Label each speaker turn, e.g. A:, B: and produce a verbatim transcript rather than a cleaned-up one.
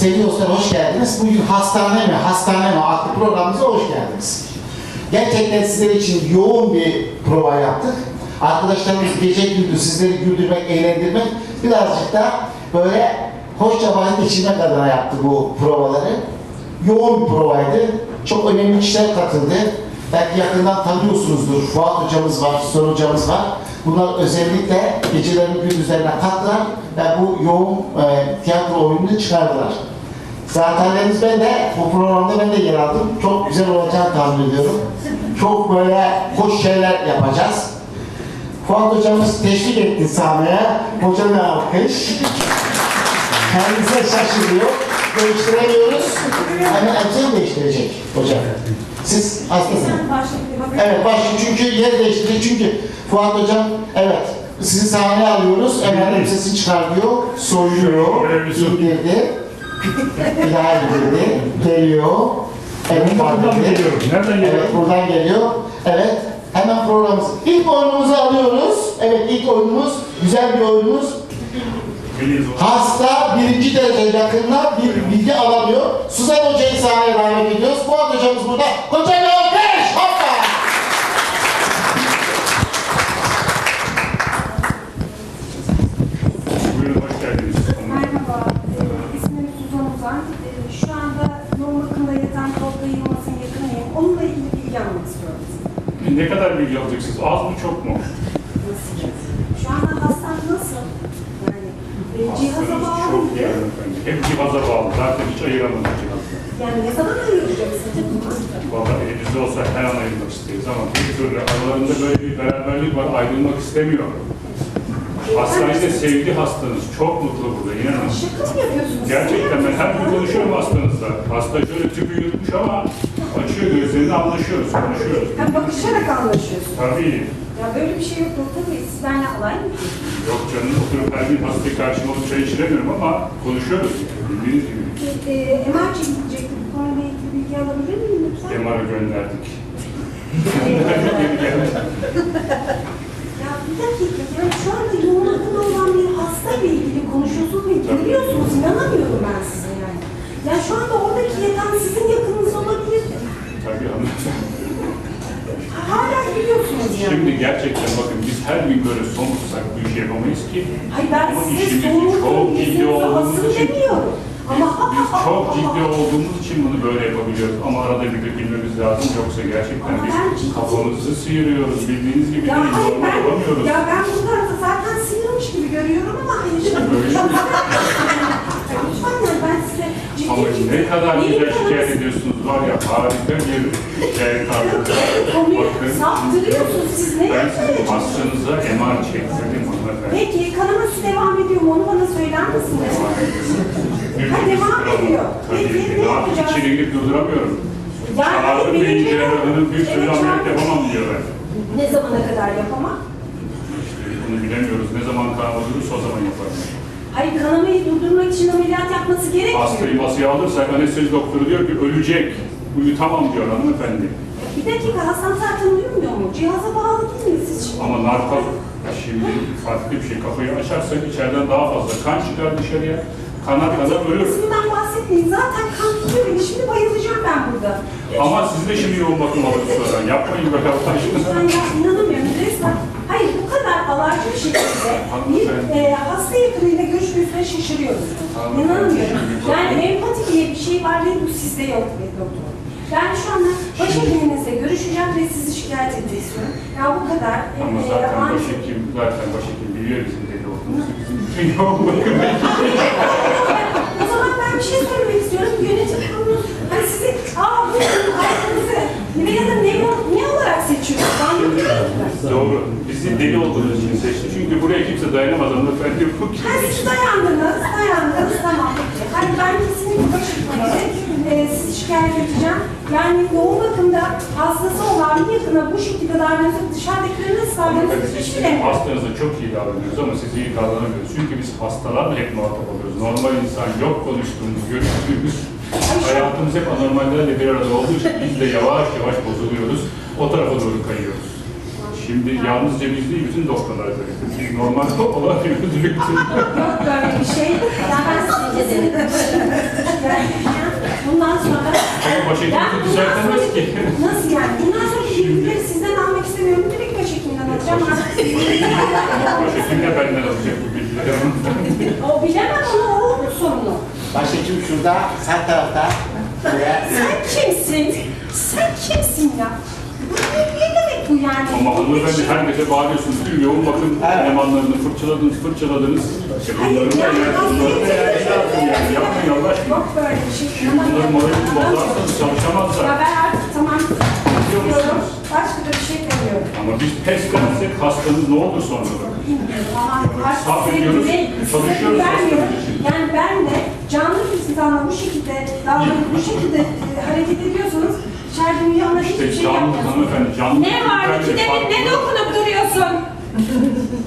A: Sevgili dostlar hoş geldiniz. Bugün Hastane mi, Hastane mi adlı programımıza hoş geldiniz. Gerçekten sizler için yoğun bir prova yaptık. Arkadaşlarımız gece gündüz sizleri güldürmek, eğlendirmek, birazcık da böyle hoşça vakit geçirmek adına yaptı bu provaları. Yoğun bir provaydı. Çok önemli kişiler katıldı. Belki yakından tanıyorsunuzdur. Fuat hocamız var, Son hocamız var. Bunlar özellikle gecelerin gündüzlerine kattılar ve bu yoğun e, tiyatro oyununu çıkardılar. Zatenleriniz ben de, bu programda ben de yer aldım. Çok güzel olacağını tahmin ediyorum. Çok böyle hoş şeyler yapacağız. Fuat hocamız teşvik etti sahneye. Hocam alkış. Kendisi şaşırıyor. Değiştiremiyoruz. Hemen elbiseni değiştirecek hocam. Siz hastasınız. Evet, başlayın çünkü yer değiştirecek. Çünkü Fuat hocam, evet, sizi sahneye alıyoruz. Hemen elbisesini çıkartıyor, soyuyor, indirdi. Bir daha indirdi, geliyor. Evet,
B: buradan mı geliyor? Nereden geliyor?
A: Evet, buradan geliyor. Evet, hemen programımız. İlk oyunumuzu alıyoruz. Evet, ilk oyunumuz, güzel bir oyunumuz. Hasta birinci derece yakınına bir bilgi alamıyor. Suzan Hoca'yı sahneye davet ediyoruz. Fuat hocamız burada. Hocam alkış! Hoppa!
B: Buyurun, hoş geldiniz.
C: Merhaba, ee, ismim Suzan Uzan. Ee, şu anda yoğun bakımda yatan Tolga Yılmaz'ın yakınıyım. Onunla ilgili bilgi almak istiyorum.
B: Ne kadar bilgi alacaksınız? Az mı, çok mu?
C: Nasıl? Şu anda hastam nasıl? Yani e, cihaza
B: Hastanız
C: bağlı
B: çok
C: mı?
B: iyi hanımefendi. Hep cihaza bağlı. Zaten hiç ayıramadık cihazla.
C: Yani ne zaman ayıracaksın?
B: Valla elimizde olsa her an ayırmak isteriz ama bir türlü aralarında böyle bir beraberlik var. Ayrılmak istemiyor. Hastanede sevdi hastanız. Çok mutlu burada, inanın.
C: Şaka mı yapıyorsunuz?
B: Gerçekten ben her gün konuşuyorum hastanızla. Hasta şöyle tüpü yutmuş ama açıyor gözlerini, anlaşıyoruz, konuşuyoruz.
C: Yani bakışarak anlaşıyorsun.
B: Tabii.
C: Ya böyle bir şey yok doktor bey. Siz benimle alay mı?
B: Yok canım, oturup her gün hastayı karşıma alıp çay içiremiyorum ama konuşuyoruz. Bildiğiniz gibi.
C: E, M R çekilecekti. Bu konuyla ilgili bilgi alabilir miyim lütfen?
B: M R'a gönderdik.
C: Ya bir dakika, yani şu anda yoğun bakımda olan bir hastayla ilgili konuşuyorsunuz ve gülüyorsunuz. İnanamıyorum ben size yani. Ya şu anda oradaki yatan sizin yakınınız olabilir.
B: Tabii hanımefendi.
C: Hala gülüyorsunuz yani.
B: Şimdi gerçekten bakın biz her gün böyle somutsak bu işi yapamayız ki.
C: Hayır ben
B: Ama
C: size
B: işimiz
C: sorumluluğun
B: çok ciddi
C: yüzünüzü
B: olduğumuz
C: asıl
B: için
C: demiyorum. Ama
B: biz çok ciddi olduğumuz için bunu böyle yapabiliyoruz. Ama arada bir de bilmemiz lazım. Yoksa gerçekten
C: Ama
B: biz
C: ben ciddi-
B: kafamızı sıyırıyoruz. Bildiğiniz gibi
C: Ya
B: değil.
C: hayır
B: Normal
C: ben,
B: olamıyoruz.
C: ya ben bu tarafta zaten sıyırmış gibi görüyorum ama hayır. Lütfen yani ben size ciddi
B: Ama
C: ciddi...
B: ne kadar
C: Benim
B: güzel
C: kanım-
B: şikayet ediyorsunuz var ya, harika bir şikayet tarzı.
C: Konuyu
B: Bakın,
C: saptırıyorsunuz siz. Ne
B: ben
C: yapmaya
B: sizin
C: çalışıyorsunuz?
B: hastanıza M R çektirdim hanımefendi.
C: Peki kanaması devam ediyor mu? Onu bana söyler misiniz? Ha, devam ediyor.
B: Tabii
C: Peki,
B: ki.
C: ne
B: Daha
C: yapacağız?
B: içeri girip durduramıyorum.
C: Yani
B: Çağırdım
C: benim
B: deyince
C: de-
B: hanım bir türlü
C: Evet,
B: ameliyat
C: çağırdım.
B: yapamam diyorlar.
C: Ne zamana kadar yapamam?
B: İşte bunu bilemiyoruz. Ne zaman kanama durursa o zaman yaparım.
C: Hayır kanamayı durdurmak için ameliyat yapması gerekmiyor.
B: Hastayı masaya alırsak anestezi doktoru diyor ki ölecek. Uyutamam diyor hanımefendi.
C: Bir dakika Hasan zaten uyumuyor mu? Cihaza bağlı değil mi siz şimdi?
B: Ama narkoz şimdi farklı bir şey. Kafayı açarsak içeriden daha fazla kan çıkar dışarıya. Kana kana ölür.
C: İsminden bahsetmeyin. Zaten kan tutuyor beni. Şimdi bayılacağım ben burada.
B: Ama siz de şimdi yoğun bakım alırız sonra. Yapmayın böyle Allah aşkına.
C: Ben ya inanamıyorum resmen. Hayır bu kadar alarcı bir şekilde bir e, hasta yakınıyla görüşmesine şaşırıyoruz. İnanamıyorum. Yani empati diye bir şey var ve bu sizde yok be doktor. Ben şu anda başhekiminizle görüşeceğim ve sizi şikayet etmek istiyorum. Ya bu kadar.
B: Ama
C: e,
B: zaten
C: ani-
B: başhekim, zaten başhekim biliyor bizim deli olduğumuzu. Bizim yoğun bakım ekibi.
C: O zaman ben bir şey söylemek istiyorum. Yönetim kurulu hani sizi aa bu arkanızı ya da ne, ne olarak seçiyorsunuz? Anlamıyorum ben.
B: Doğru. Bizi deli olduğunuz için seçti. Çünkü buraya kimse dayanamaz hanımefendi. Bu kim?
C: Ha siz dayandınız, dayandınız tamam. Hani ben kesinlikle başhekiminizle e, sizi şikayet edeceğim. Yani yoğun bakımda hastası olan bir yakına bu şekilde davranıyorsa dışarıdakileri nasıl davranıyorsa
B: Biz
C: hiç
B: sizin
C: bilemiyorum.
B: hastanıza çok iyi davranıyoruz ama siz iyi davranamıyoruz. Çünkü biz hastalarla hep muhatap oluyoruz. Normal insan yok konuştuğumuz, görüştüğümüz. Hayatımız hep anormallerle bir arada olduğu için biz de yavaş yavaş bozuluyoruz. O tarafa doğru kayıyoruz. Şimdi yalnızca biz değil, bütün doktorlar böyle. Biz normal olamıyoruz.
C: Yok böyle bir şey. Ya ben size
B: başhekimimizi düzeltemez ki.
C: Nasıl yani? Bundan sonra bilgileri sizden almak istemiyorum. Direkt başhekimden alacağım.
B: Başhekim de benden alacak bu bilgileri.
C: O bilemem ama o onun sorunu.
A: Başhekim şurada, sağ tarafta. Buraya.
C: Sen kimsin? Sen kimsin ya? Bu ne, ne demek bu yani?
B: Ama hanımefendi her gece bağırıyorsunuz. Tüm yoğun bakım elemanlarını fırçaladınız, fırçaladınız. E bunların da yani, bunların da yani lazım yani. Yapmayın Allah aşkına.
C: Yok böyle bir şey.
B: Bunların moralini bozarsanız çalışamazlar.
C: Ya ben artık tamam diyorum. Başka da bir şey demiyorum.
B: Ama biz pes dersek hastanız ne olur sonra bakın.
C: Bilmiyorum ama artık
B: Sabrediyoruz,
C: size
B: çalışıyoruz
C: vermiyorum.
B: hastanız için.
C: Yani ben de canlı bir insanla bu şekilde davranıp bu şekilde e, hareket ediyorsanız içeride uyuyanlar hiçbir
B: İşte
C: şey
B: canlı
C: yapmıyorsunuz.
B: hanımefendi, canlı
C: Ne var?
B: bir
C: İkide bir ne dokunup duruyorsun?